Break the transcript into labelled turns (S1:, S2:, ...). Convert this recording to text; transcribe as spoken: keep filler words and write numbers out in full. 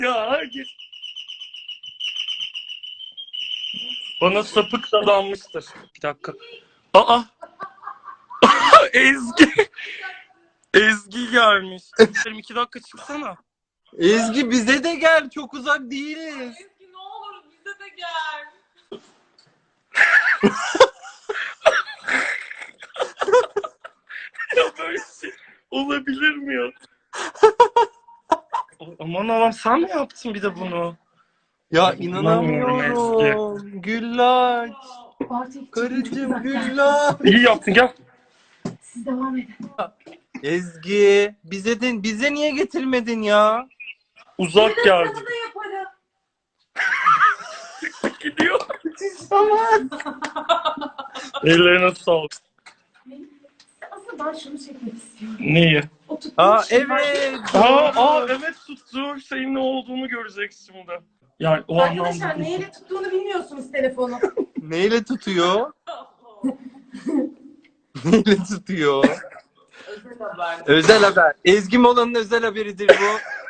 S1: Ya herkes bana sapık dadanmıştır. Bir dakika. Aa! Ezgi! Ezgi gelmiş. İki dakika çıksana.
S2: Ezgi bize de gel. Çok uzak değiliz.
S3: Ezgi ne olur bize de gel.
S1: Ya böyle şey olabilir mi ya? Aman Allah'ım, sen mi yaptın bir de bunu?
S2: Ya
S1: İnanmıyorum
S2: inanamıyorum. Güllaç. Karıcığım Güllaç.
S1: İyi yaptın, gel.
S3: Siz devam edin.
S2: Ezgi bize de bize niye getirmedin ya?
S1: Uzak geldi.
S3: Sana da yaparım.
S1: Gidiyor. Ellerine sağlık.
S3: Aslında ben şunu çekmek istiyorum.
S1: Neyi?
S3: O tuttuğum
S2: Aa
S3: şey-
S2: evet.
S1: Aa, aa evet, tuttuğu şeyin ne olduğunu göreceksin şimdi. Yani o anlamda.
S3: Arkadaşlar neyle tuttuğunu bilmiyorsunuz telefonu.
S2: Neyle tutuyor? Neyle tutuyor?
S3: Özel haber.
S2: Özel haber. Ezgi Mola'nın özel haberidir bu.